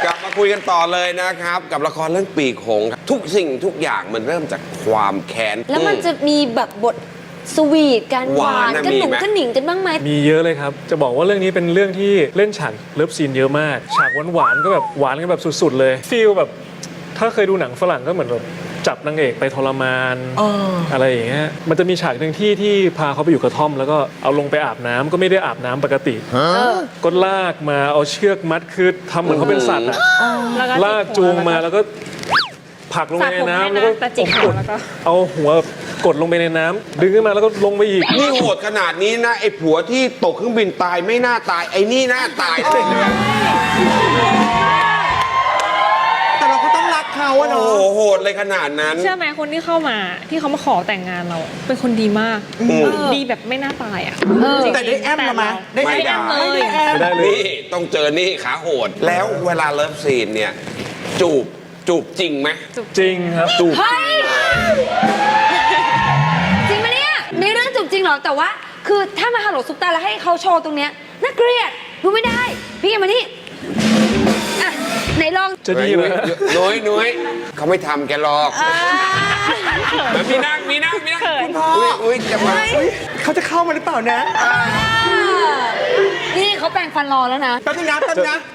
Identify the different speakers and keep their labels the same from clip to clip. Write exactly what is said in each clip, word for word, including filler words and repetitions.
Speaker 1: กลับมาคุยกันต่อเลยนะครับกับละครเรื่องปีกหงส์ทุกสิ่งทุกอย่างมันเริ่มจากความแค้น
Speaker 2: แล้วมันจะมีแบบบทสวีทกันหวานกันหนุ่มกันหนิงกันบ้างไหม
Speaker 3: มีเยอะเลยครับจะบอกว่าเรื่องนี้เป็นเรื่องที่เล่นฉากเลิฟซีนเยอะมากฉากหวานๆก็แบบหวานกันแบบสุดๆเลยฟีลแบบถ้าเคยดูหนังฝรั่งก็เหมือนแบบจับนางเอกไปทรมานอะไรอย่างเงี้ยมันจะมีฉากหนึ่งที่ที่พาเขาไปอยู่กระท่อมแล้วก็เอาลงไปอาบน้ำก็ไม่ได้อาบน้ำปกติก็ลากมาเอาเชือกมัดคือทำเหมือนเขาเป็นสัตว์อะลากจูงมาแล้วก็ผลักลงไปในน้ำแล้วก็กดเอาหัวกดลงไปในน้ำดึงขึ้นมาแล้วก็ลงไปอีก
Speaker 1: นี่โหดขนาดนี้นะไอ้ผัวที่ตกเครื่องบินตายไม่น่าตายไอ้นี่น่าตายเลย
Speaker 4: แต่เราก็ต้องรักเขาอะเนาะ
Speaker 1: โอ้โหโหดเลยขนาดนั้น
Speaker 5: เชื่อไหมคนที่เข้ามาที่เขามาขอแต่งงานเราเป็นคนดีมากดีแบบไม่น่าตายอ่ะ
Speaker 4: แต่ได้แอมละมั้ย
Speaker 1: ได้แอม
Speaker 5: เลย
Speaker 3: ไม่ได้เลย
Speaker 1: นี่ต้องเจอนี่ขาโหดแล้วเวลาเลิฟซีนเนี่ยจูบจูบจริงไหม
Speaker 3: จริงครับจูบ
Speaker 2: จริงไหมเนี่ยในเรื่องจูบจริงหรอแต่ว่าคือถ้ามาฮัลโหลซุปตาแล้วให้เขาโชว์ตรงเนี้ยน่าเกลียดดูไม่ได้พี่แกมานี่อ่ะไหนลอง
Speaker 3: จะดีไหม
Speaker 1: น้อยน้อยเขาไม่ทำแกหรอกมีนั่งมีนั่งมีนั่งคุณพ่ออุ้ยจะมา
Speaker 4: เขาจะเข้ามาหรือเปล่านะ
Speaker 2: นี่เขาแปรงฟันรอแล้วนะ
Speaker 4: แป๊บนึงนะแป๊บนึงนะ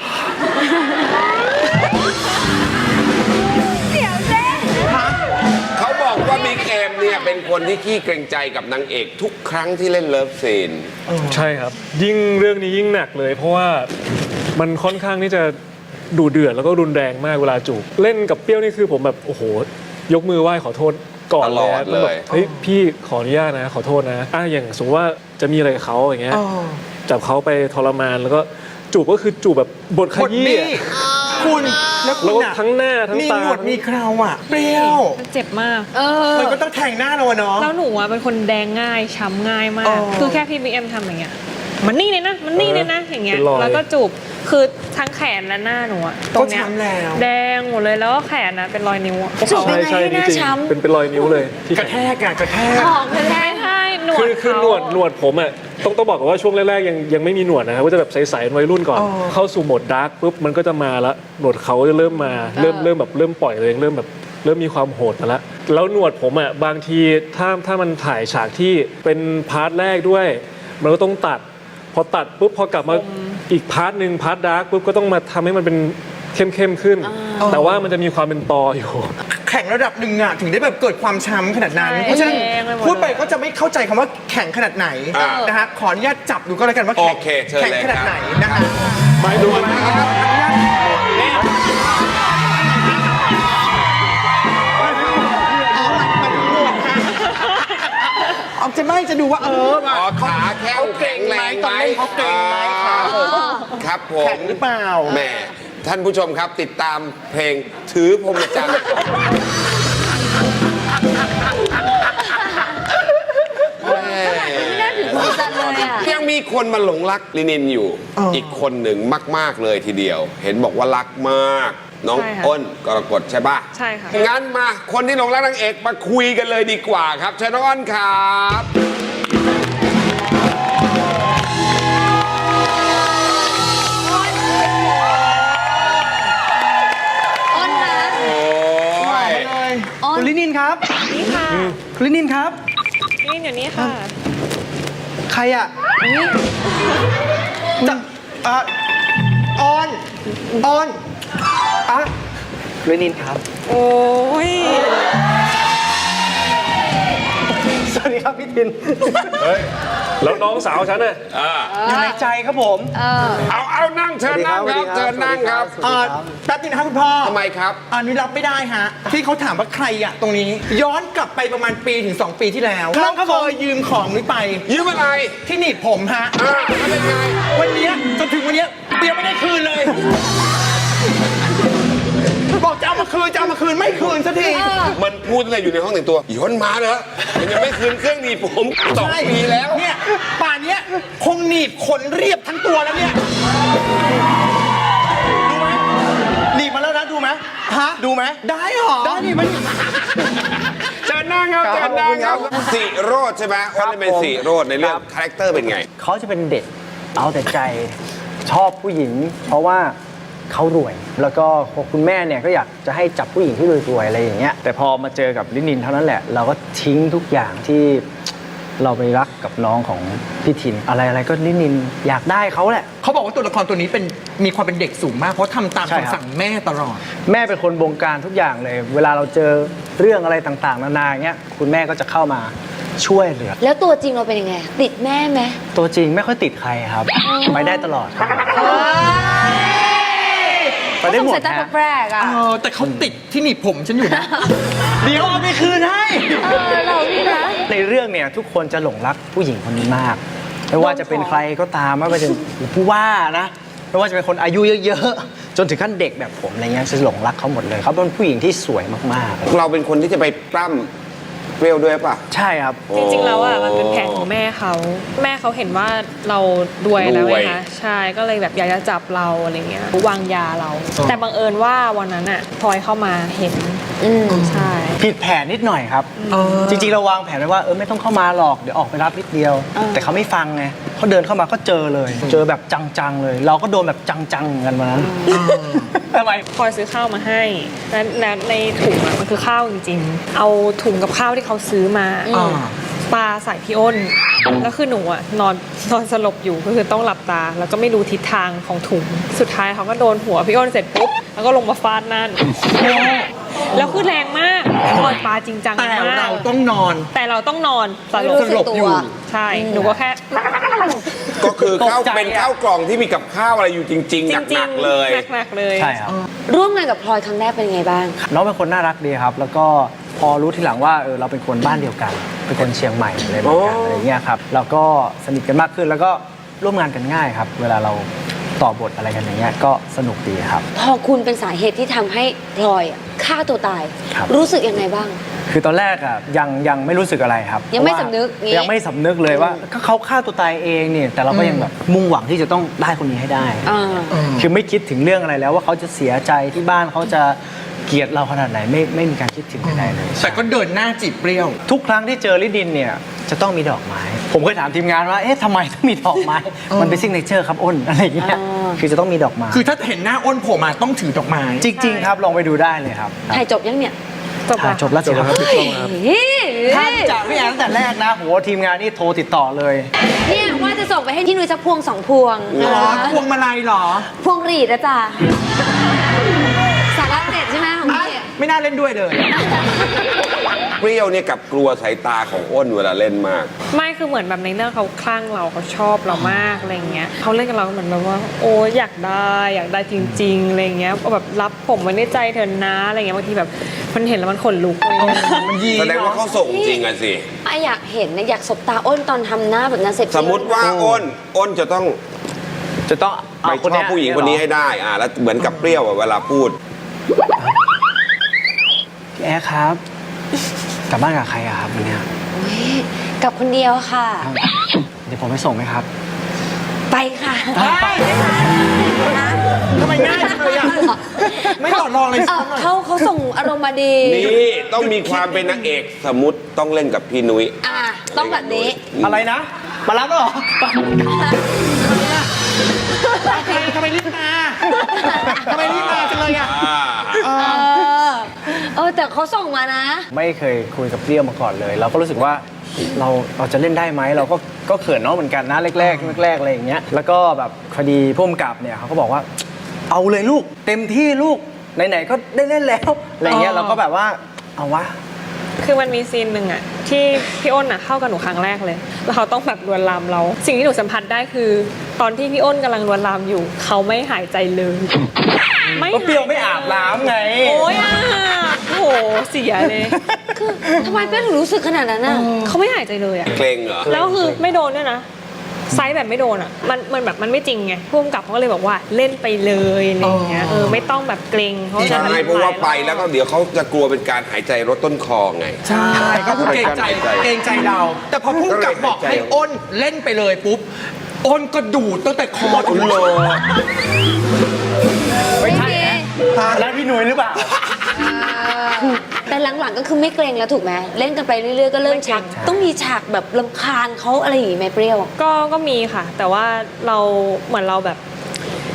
Speaker 1: เขาบอกว่ามีเกมเนี่ยเป็นคนที่ขี้เกรงใจกับนางเอกทุกครั้งที่เล่นเลิฟซีน
Speaker 3: ใช่ครับยิ่งเรื่องนี้ยิ่งหนักเลยเพราะว่ามันค่อนข้างที่จะดุเดือดแล้วก็รุนแรงมากเวลาจูบเล่นกับเปรี้ยวนี่คือผมแบบโอ้โหยกมือไหว้ขอโทษก่อนเลยเฮ้ยพี่ขออนุญาตนะขอโทษนะอ่ะอย่างสมมติว่าจะมีอะไรกับเขาอย่างเงี้ยจับเขาไปทรมานแล้วก็จูบก็คือจูบแบบบทขยี้
Speaker 4: คุณแล้ว
Speaker 3: แล้วทั้งหน้าทั้งตา
Speaker 4: มีหนวดมีเคราอ่ะเปรี้ยว
Speaker 5: เจ็บมาก
Speaker 4: มันก็ต้องแทงหน้าเราเนาะ
Speaker 5: แล้วหนูอ่ะเป็นคนแดงง่ายช้ำง่ายมากคือแค่พี่บิ๊กเอ็มทำอย่างเงี้ยมันนี่เลยนะมันนี่เลยนะอย่างเงี้ยแล้วก็จูบคือทั้งแขนและหน้าหนูอะตรงเนี้ยแดงหมดเลยแล้วก็แขนนะเป็นรอยนิ้ว
Speaker 2: จูบเป็นไงให้หน้าช้ำ
Speaker 3: เป็นเป็นรอยนิ้วเลย
Speaker 4: กระแทกอะกระแทก
Speaker 2: กระแทก
Speaker 5: ใช่หนวด
Speaker 3: คือคือหนวดหนวดผมอะต้องต้องบอกก่อนว่าช่วงแรกๆยังยังไม่มีหนวดนะครับก็จะแบบใสๆวัยรุ่นก่อนเข้าสู่โหมดดาร์กปุ๊บมันก็จะมาละหนวดเขาจะเริ่มมาเริ่มเริ่มแบบเริ่มปล่อยเลยเริ่มแบบเริ่มมีความโหดมาละแล้วหนวดผมอะบางทีถ้าถ้ามันถ่ายฉากที่เป็นพาร์ทแรกด้วยมันก็ต้องตัดพอตัดปุ๊บพอกลับมาอีกพาร์ทหนึ่งพาร์ทดาร์กปุ๊บก็ต้องมาทำให้มันเป็นเข้มๆขึ้นแต่ว่ามันจะมีความเป็นตออยู่
Speaker 4: แข็งระดับหนึ่งอะถึงได้แบบเกิดความช้ำขนาดนั้นเพราะฉะนั้นพูดไปก็จะไม่เข้าใจคำว่าแข็งขนาดไหนนะฮะขออนุญาตจับดูก็แล้วกันว่าแข็งแข็งขนาดไหนนะฮะ
Speaker 1: ไปดูนะครับ
Speaker 4: ออกจะไม่จะดูว่าเออ
Speaker 1: ขาแข็งแข็งแรงไหม
Speaker 4: เขาเก่งไหม
Speaker 1: ครับผม
Speaker 4: แข็งหรือเปล่า
Speaker 1: แม่ท่านผู้ชมครับติดตามเพลงถือพรหมจรรย์ยังมีคนมาหลงรักลินินอยู่อีกคนหนึ่งมากๆเลยทีเดียวเห็นบอกว่ารักมากน้องอ้นกรกฎใช่ป่ะ
Speaker 5: ใช่ค่ะ
Speaker 1: งั้นมาคนที่หลงรักนางเอกมาคุยกันเลยดีกว่าครับเชิญน้องอ้นครับ
Speaker 2: อ้นนะ
Speaker 4: คุณลินินครับ
Speaker 5: นี่ค่ะ
Speaker 4: คุณลินินครับ
Speaker 5: ลินินอยู่นี่ค่ะ
Speaker 4: ใครอ่ะจะอ่ะออนออนอ่ะเรนินครับ
Speaker 5: โอ้ย
Speaker 4: สวัสดีครับพี่ทิน
Speaker 3: เฮ้ยแล้วน้องสาวฉันน่ะ
Speaker 4: อยู่ในใจครับผม
Speaker 1: เอาเอานั่งเชิญนั่งครับเชิญนั่งครับ
Speaker 4: แป๊บนึงนะครับคุณพ่อ
Speaker 1: ทำไมครับ
Speaker 4: อันนี้รับไม่ได้ฮะที่เขาถามว่าใครอะตรงนี้ย้อนกลับไปประมาณปีถึงสองปีที่แล้วเขาเคยยืมของนี้ไป
Speaker 1: ยืมอะไร
Speaker 4: ที่หนีบผมฮะ
Speaker 1: เป็นไง
Speaker 4: วันนี้จนถึงวันนี้เดี๋ยวไม่ได้คืนเลยบอกจะเอามาคืนจะเอามาคืนไม่คืนสักที
Speaker 1: มันพูดอะไรอยู่ในห้องแต่งตัวย้อนมาเหรอมันยังไม่คืนเครื่องหนีบผมสองปีแล้ว
Speaker 4: เนี่ยป่านนี้คงหนีบขนเรียบทั้งตัวแล้วเนี่ยดูไหมหนีบมาแล้วนะดูไหมฮะดูไหมได้หรอได้นี่มัน
Speaker 1: เชิญนั่งครับเชิญนั่งครับสีโรดใช่ไหมเขาจะเป็นสีโรดในเรื่องคาแรคเตอร์เป็นไง
Speaker 6: เขาจะเป็นเด็กเอาแต่ใจชอบผู้หญิงเพราะว่าเขารวย แล้วก็คุณแม่เนี่ยก็อยากจะให้จับผู้หญิงที่รวยๆอะไรอย่างเงี้ยแต่พอมาเจอกับลินินเท่านั้นแหละเราก็ทิ้งทุกอย่างที่เราไปรักกับน้องของพี่ทินอะไรอะไรก็ลินินอยากได้เขาแหละ
Speaker 4: เขาบอกว่าตัวละครตัวนี้เป็นมีความเป็นเด็กสูงมากเพราะทำตาม
Speaker 6: ใช่ครับ
Speaker 4: คำสั่งแม่ตลอด
Speaker 6: แม่เป็นคนบงการทุกอย่างเลย เวลาเราเจอเรื่องอะไรต่างๆ นานาเงี้ยคุณแม่ก็จะเข้ามาช่วยเหลือ
Speaker 2: แล้วตัวจริงเราเป็นยังไง ติดแม่ไหม
Speaker 6: ตัวจริงไม่ค่อยติดใครครับ ไปได้ตลอดครับ ไปได้หมด
Speaker 2: เขาสงสัยตา
Speaker 6: ฮะ
Speaker 2: แปลกๆอ่ะ
Speaker 4: เออแต่เขาติดที่หนีบผมฉันอยู่นะ
Speaker 6: เดี๋ยวเอาไปคืนให้
Speaker 2: เออเรานี่นะ
Speaker 6: ในเรื่องเนี่ยทุกคนจะหลงรักผู้หญิงคนนี้มาก ไม่ว่าจะเป็นใครก็ตามไม่ว่าจะเป็นผู้ว่านะไม่ว่าจะเป็นคนอายุเยอะๆจนถึงขั้นเด็กแบบผมอะไรเงี้ยจะหลงรักเขาหมดเลยเขาเป็นผู้หญิงที่สวยมาก
Speaker 1: เราเป็นคนที่จะไปปล้ำเปรี้ยวด้วยป่ะ
Speaker 6: ๆ ใช่ครับ
Speaker 5: จริงๆแล้วอ่ะมันเป็นแผนของแม่เขาแม่เขาเห็นว่าเรารวยแล้ว
Speaker 1: ร
Speaker 5: ไง
Speaker 1: วย
Speaker 5: คะใช่ก็เลยแบบอยากจะจับเราอะไรเงี้ยวางยาเรา แต่บังเอิญว่าวันนั้นอ่ะพลอยเข้ามาเห็น
Speaker 2: อืม
Speaker 5: ใช่
Speaker 6: ผิดแผนนิดหน่อยครับ จริงๆ เราวางแผนไว้ว่าเออไม่ต้องเข้ามาหรอกเดี๋ยวออกไปรับนิดเดียว แต่เขาไม่ฟังไงเขาเดินเข้ามาก็เจอเลย เจอแบบจังๆเลย เราก็โดนแบบจังๆเหมือนกันวันนั้นทำไม
Speaker 5: พลอยซื้อข้าวมาให้แล้วแล้วในถุงอ่ะมันคือข้าวจริงๆ เอาถุงกับข้าวที่เขาซื้อมา
Speaker 4: อ่า
Speaker 5: ปาใส่พี่อ้นแล้วคือหนูอ่ะนอนนอนสลบอยู่ก็คือต้องหลับตา แล้วก็ไม่รู้ทิศทางของถุงสุดท้ายเขาก็โดนหัวพี่อ้นเสร็จปุ๊บแล้วก็ลงมาฟาดนั่นแล้วคือแรงมากพลอยปาจริงจัง
Speaker 4: แต่
Speaker 5: มาก
Speaker 4: เราต้องนอน
Speaker 5: แต่เราต้องนอนสล
Speaker 2: ไม่รู้
Speaker 5: บ
Speaker 2: สึกตัว
Speaker 5: ใช่ หนูก็แค่
Speaker 1: ก็คือข้าว
Speaker 6: ตกใจอะ
Speaker 1: เป็นข้าวกล่องที่มีกับข้าวอะไรอยู่จริง ๆ
Speaker 5: จริง
Speaker 1: หนักๆเลย
Speaker 5: หนักๆเลย
Speaker 6: ใช่ครับ
Speaker 2: ร่วมงานกับพลอยครั้งแรกเป็นยังไงบ้าง
Speaker 6: น้องเป็นคนน่ารักดีครับ แล้วก็พอรู้ทีหลังว่าเออเราเป็นคนบ้านเดียวกัน เป็นคนเชียงใหม่อะไรเหมือนกัน
Speaker 1: โอ้
Speaker 6: อะไรเงี้ยครับแล้วก็สนิทกันมากขึ้นแล้วก็ร่วมงานกันง่ายครับ เวลาเราต่อบทอะไรกันอย่างเงี้ยก็สนุกดีครับ
Speaker 2: พอคุณเป็นสาเหตุที่ทำให้พลอยอะฆ่าตัวตาย
Speaker 6: ครับ
Speaker 2: รู้สึกยังไงบ้าง
Speaker 6: คือตอนแรกอ่ะยังยังไม่รู้สึกอะไรครับ
Speaker 2: ยังไม่
Speaker 6: เพราะว่า
Speaker 2: สำนึกงี้
Speaker 6: ยังไม่สำนึกเลยว่าก็เขาฆ่าตัวตายเองเนี่ยแต่เราก็ยังแบบมุ่งหวังที่จะต้องได้คนนี้ให้ได้
Speaker 2: อ่า
Speaker 6: คือไม่คิดถึงเรื่องอะไรแล้วว่าเขาจะเสียใจที่บ้านเขาจะเกลียดเราขนาดไหนไม่ไม่มีการคิดถึงใดๆเลย
Speaker 4: แต่ก็เดินหน้าจีบเปรี้ยว
Speaker 6: ทุกครั้งที่เจอลิดินเนี่ยจะต้องมีดอกไม้ ผมเคยถามทีมงานว่าเอ๊ะทำไมต้องมีดอกไม้ มันเป็นซิกเนเจอร์ครับอ้นอะไรอย่างเงี้ย
Speaker 2: อ๋อ
Speaker 6: คือจะต้องมีดอกไม้
Speaker 4: คือถ้าเห็นหน้าอ้นโผล่มาต้องถือดอกไม้
Speaker 6: จริง ๆ ครับลองไปดูได้เลยครับ
Speaker 2: ถ่ายจบยังเนี่ย
Speaker 5: จบ
Speaker 6: ถ่าย
Speaker 5: ละ
Speaker 6: จบแล้วสิครับ
Speaker 2: เฮ้ย
Speaker 6: ถ้าจากพี่แอนตั้งแต่แรกนะโหทีมงานนี่โทรติดต่อเลย
Speaker 2: เนี่ยว่าจะส่งไปให้ที่นุ้ยสักพวงสองพวง
Speaker 4: อ๋อ
Speaker 2: นะ
Speaker 4: พวงมาลัยเหรอ
Speaker 2: พวงหรีดนะจ๊ะสาระเด็ดใช่ไหมของพี่อะ
Speaker 4: ไม่น่าเล่นด้วยเลย
Speaker 1: เปรี้ยวเนี่ยกับกลัวสายตาของอ้นเวลาเล่นมาก
Speaker 5: ไม่คือเหมือนแบบในเรื่องเขาคลั่งเราเขาชอบเรามากอะไรเงี้ยเขาเล่นกับเราเหมือนแบบว่า โอ้อยากได้อยากได้จริงๆอะไรเงี้ยแบบรับผมไว้ในใจเธอนะอะไรเงี้ยบางทีแบบมันเห็นแล้วมันขนลุกอะไรเลย
Speaker 4: มันยี
Speaker 1: แสดงว่าเขาส่งจริงอะสิ
Speaker 2: ไอะอยากเห็นนะอยากสบตาอ้นตอนทำหน้าแบบนั้นเสร็จ
Speaker 1: สมมติว่าอ้น อ้นจะต้อง
Speaker 6: จะต้อง
Speaker 1: ไป
Speaker 6: เอา
Speaker 1: ชอบผู้หญิงคนนี้ให้ได้ อ่า แล้วเหมือนกับเปรี้ยวอะเวลาพูด
Speaker 6: พี่แอร์ครับกลับบ้านกับใครอะครับวันเนี้ย
Speaker 2: โอ้ยกับคนเดียวค่ะ
Speaker 6: เดี๋ยวผมไปส่งไหมครับ
Speaker 2: ไปค่ะ
Speaker 4: ไปทำไมง่ายจังเลยอ่ะ ไม่ต่อรองเลย
Speaker 2: เอ
Speaker 4: สั
Speaker 2: อก
Speaker 4: หน่อย
Speaker 2: เขาเขาส่งอารมณ์มาดี
Speaker 1: นี่ต้องมีความเป็นนางเอก สมมติต้องเล่นกับพี่นุ้ย
Speaker 2: อ่ะต้องแบบนี้
Speaker 6: อะไรนะ มารับแล้วเหรอ
Speaker 4: ทำไมทำไมรีบมาทำไมรีบมาจังเลยอ่ะ
Speaker 1: อ่า
Speaker 2: เออ เออแต่เขาส่งมานะ
Speaker 6: ไม่เคยคุยกับเปรี้ยวมาก่อนเลย เราก็รู้สึกว่าเราเราจะเล่นได้ไหมเราก็ก็เขินน้องเหมือนกันนะแรกๆแรกๆอะไรอย่างเงี้ยแล้วก็แบบพอดีผู้กำกับเนี่ยเขาก็บอกว่า เอาเลยลูกเต็มที่ลูกไหนๆก็ได้เล่นแล้วอะไรเงี้ย
Speaker 4: อ๋อ
Speaker 6: เราก็แบบว่าเอาวะ
Speaker 5: คือมันมีซีนหนึ่งอะที่พี่อ้นอะเข้ากับหนูครั้งแรกเลย แล้วเขาต้องแบบลวนลามเรา สิ่งที่หนูสัมผัสได้คือ ตอนที่พี่อ้นกำลังลวนลามอยู่ เขาไม่หายใจเลย
Speaker 6: ก็เปรี้ยวไม่อาบน้ำไง
Speaker 5: โอ้ยอาบโอ้โหเสียเลย
Speaker 2: คือทำไมเป้ถึงรู้สึกขนาดนั้นน่ะ
Speaker 5: เขาไม่หายใจเลยอะ
Speaker 1: เกรงเหรอ
Speaker 5: แล้วคือไม่โดนด้วยนะไซส์แบบไม่โดนอ่ะมันมันแบบมันไม่จริงไงผู้กำกับเขาก็เลยบอกว่าเล่นไปเลยอะไรอย่างเงี้ยเออไม่ต้องแบบเกรงเพราะฉะ
Speaker 1: ใช่
Speaker 5: นั้น
Speaker 1: เพราะว่าไปแล้วก็เดี๋ยวเขาจะกลัวเป็นการหายใจรถต้นคอไง
Speaker 4: ใช่ก็คือเกรงใจเกรงใจเรา แต่พอพุ่งกลับบอกให้อ้นเล่นไปเลยปุ๊บ อ้นก็ดูดตั้งแต่คอจนโล
Speaker 6: ไม่ใช่นะแล้วพี่หนุ่ยหรือเปล่า
Speaker 2: แต่หลังๆก็คือไม่เกรงแล้วถูกไหมเล่นกันไปเรื่อยๆก็เริ่มชัก ต้องมีฉากแบบรำคาญเขาอะไรอย่างงี้ไหมเปรี้ยว
Speaker 5: ก็ก็มีค่ะ แต่ว่าเราเหมือนเราแบบเอ็น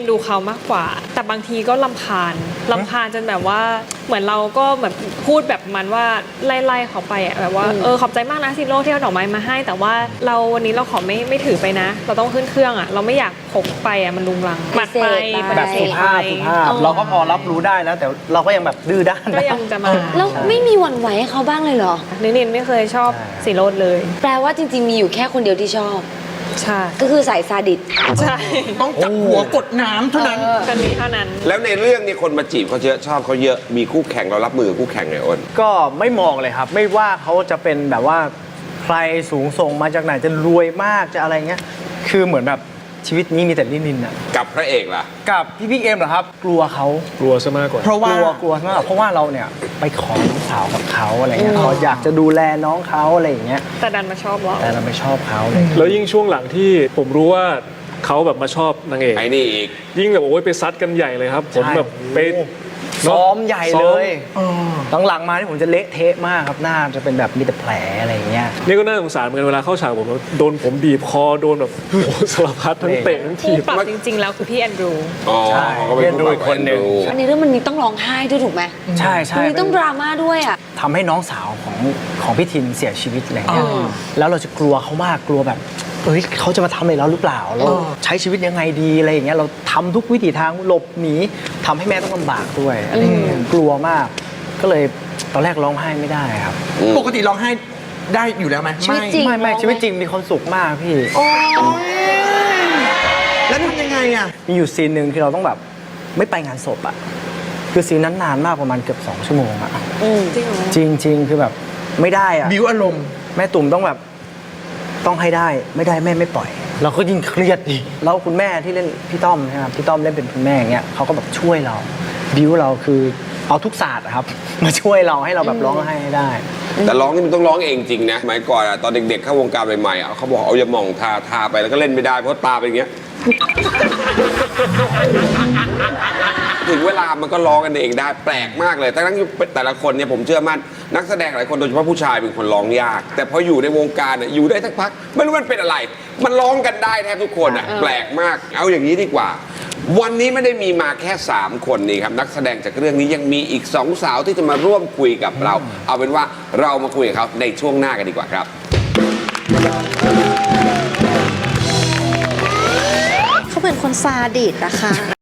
Speaker 5: ดูเขามากกว่า แต่บางทีก็ลำคาญลำคาญจนแบบว่าเหมือนเราก็แบบพูดแบบมันว่าไล่ๆเขาไปอะแบบว่าเออขอบใจมากนะซิโร่ที่เอาดอกไม้มาให้ แต่ว่าเราวันนี้เราขอไม่ไม่ถือไปนะ เราต้องขึ้นเครื่องอะเราไม่อยากพกไปอะมันลุงลังปัดไป
Speaker 6: แบบสุภาพสุภาพเราก็พอรับรู้ได้แล้วแต่เราก็ยังแบบดื้อด้าน
Speaker 5: ก็ยังจะมา
Speaker 2: แล้วไม่มีหวั่นไหวให้เขาบ้างเลยเหรอ
Speaker 5: นินินไม่เคยชอบสีโรดเลย
Speaker 2: แปลว่าจริงๆ มีอยู่แค่คนเดียวที่ชอบ
Speaker 5: ใช่
Speaker 2: ก็คือสายซาดิส
Speaker 5: ใช่
Speaker 4: ต้องจับหัวกดน้ำเท่านั้น
Speaker 5: กันนี้เท่านั้น
Speaker 1: แล้วในเรื่องนี้คนมาจีบเขาเยอะชอบเขาเยอะมีคู่แข่งเรารับมือกับคู่แข่งไงอ้น
Speaker 6: ก็ไม่มองเลยครับ ไม่ว่าเขาจะเป็นแบบว่าใครสูงส่งมาจากไหนจะรวยมากจะอะไรเงี้ยคือเหมือนแบบชีวิตนี้มีแต่นินินอะ
Speaker 1: กับพระเอกล่ะ
Speaker 6: กับพี่บิ๊กเอ็มเหรอครับ กลัวเขา
Speaker 3: กลัวซะมากกว่า
Speaker 4: เพราะ
Speaker 6: ก
Speaker 4: ว่า
Speaker 6: ลัวกลัวมากเพราะว่าเราเนี่ยไปขอน้องสาวกับเขาอะไรเงี้ยเขาอยากจะดูแลน้องเขาอะไรอย่างเงี้ย
Speaker 5: แต่ดันมาชอบเรา
Speaker 6: แต่เราไม่ชอบเขาเลย
Speaker 3: แล้วยิ่งช่วงหลังที่ผมรู้ว่าเขาแบบมาชอบนางเอก
Speaker 1: ไอ้นี่อีก
Speaker 3: ยิ่งแบบโอ้ยไปซัดกันใหญ่เลยครับ ผมแบบไป
Speaker 6: ซ้อมใหญ่
Speaker 3: ซ้
Speaker 6: เล
Speaker 3: อม
Speaker 6: ยหลังๆมาที่ผมจะเละเทะมากครับหน้าจะเป็นแบบมีแต่แผลอะไรอย่างเงี้ย
Speaker 3: นี่ก็น่าสงสารเหมือนกันเวลาเข้าฉากผมโดนผมบีบคอโดนแบบโอ้โหสารพัดทั้งเตะทั้ง
Speaker 5: ผู้
Speaker 3: ถีบ
Speaker 5: ปรับจริง ๆ แล้วคือพี่แอนดรู
Speaker 1: อ๋อ
Speaker 6: ใช่
Speaker 1: เขาเป็นผู้
Speaker 6: เรียนดูอีกคนหนึ่ง
Speaker 1: ดู
Speaker 2: อันนี้เรื่องมันนี้ต้องร้องไห้ด้วยถูกไหม
Speaker 6: ใช่ใช่
Speaker 2: มันนี้ต้องดราม่าด้วยอ่ะ
Speaker 6: ทำให้น้องสาวของของพี่ทินเสียชีวิตอะไรเงี้ยแล้วเราจะกลัวเขามากกลัวแบบเอ้ยเขาจะมาทำอะไรเราหรือเปล่าเราใช้ชีวิตยังไงดีอะไรอย่างเงี้ยเราทำทุกวิถีทางหลบหนีทำให้แม่ต้องลำบากด้วยอะไรอย่างเงี้ยกลัวมาก ก็เลยตอนแรกร้องไห้ไม่ได้ครับ
Speaker 4: ปกติร้องไห้ได้อยู่แล้วไหม
Speaker 2: ชีวิตจริง
Speaker 6: ไม่ไม่ชีวิตจริงมีความสุขมากพี่
Speaker 4: โอ้ยแล้วทำยังไงอ่ะ
Speaker 6: มีอยู่ซีนหนึ่งที่เราต้องแบบไม่ไปงานศพอะคือซีนนั้นนานมากประมาณเกือบสองชั่วโมงอะ
Speaker 5: จริงเหรอ
Speaker 6: จริงจริงๆคือแบบไม่ได้อะ
Speaker 4: บิวอารมณ์
Speaker 6: แม่ตุ่มต้องแบบต้องให้ได้ไม่ได้แม่ไม่ปล่อย เราก็ยิ่งเครียดดิแล้วคุณแม่ที่เล่นพี่ต้อมนะครับพี่ต้อมเล่นเป็นคุณแม่อย่างเงี้ยเขาก็แบบช่วยเราบิวเราคือเอาทุกศาสตร์อะครับ มาช่วยเราให้เราแบบร้องไห้ให้ได้
Speaker 1: แต่ร้องนี่มันต้องร้องเองจริงนะสมัยก่อนอะตอนเด็กๆเข้าวงการใหม่ๆอะเขาบอกเอายาหม่องทาทาไปแล้วก็เล่นไม่ได้เพราะตาเป็นอย่างเงี้ย ถึงเวลามันก็ร้องกันเองได้แปลกมากเลยทั้งที่แต่ละคนเนี่ยผมเชื่อมั่นนักแสดงหลายคนโดยเฉพาะผู้ชายเป็นคนร้องยาก แต่พออยู่ในวงการเนี่ยอยู่ได้สักพักไม่รู้มันเป็นอะไร มันร้องกันได้แทบทุกคนอ่ะแปลกมากเอาอย่างนี้ดีกว่า วันนี้ไม่ได้มีมาแค่สามคนนี่ครับนักแสดงจากเรื่องนี้ยังมีอีกสองสาวที่จะมาร่วมคุยกับเรา เอาเป็นว่าเรามาคุยกับเขาในช่วงหน้ากันดีกว่าครับ
Speaker 7: เขาเป็นคนซาดิสนะคะ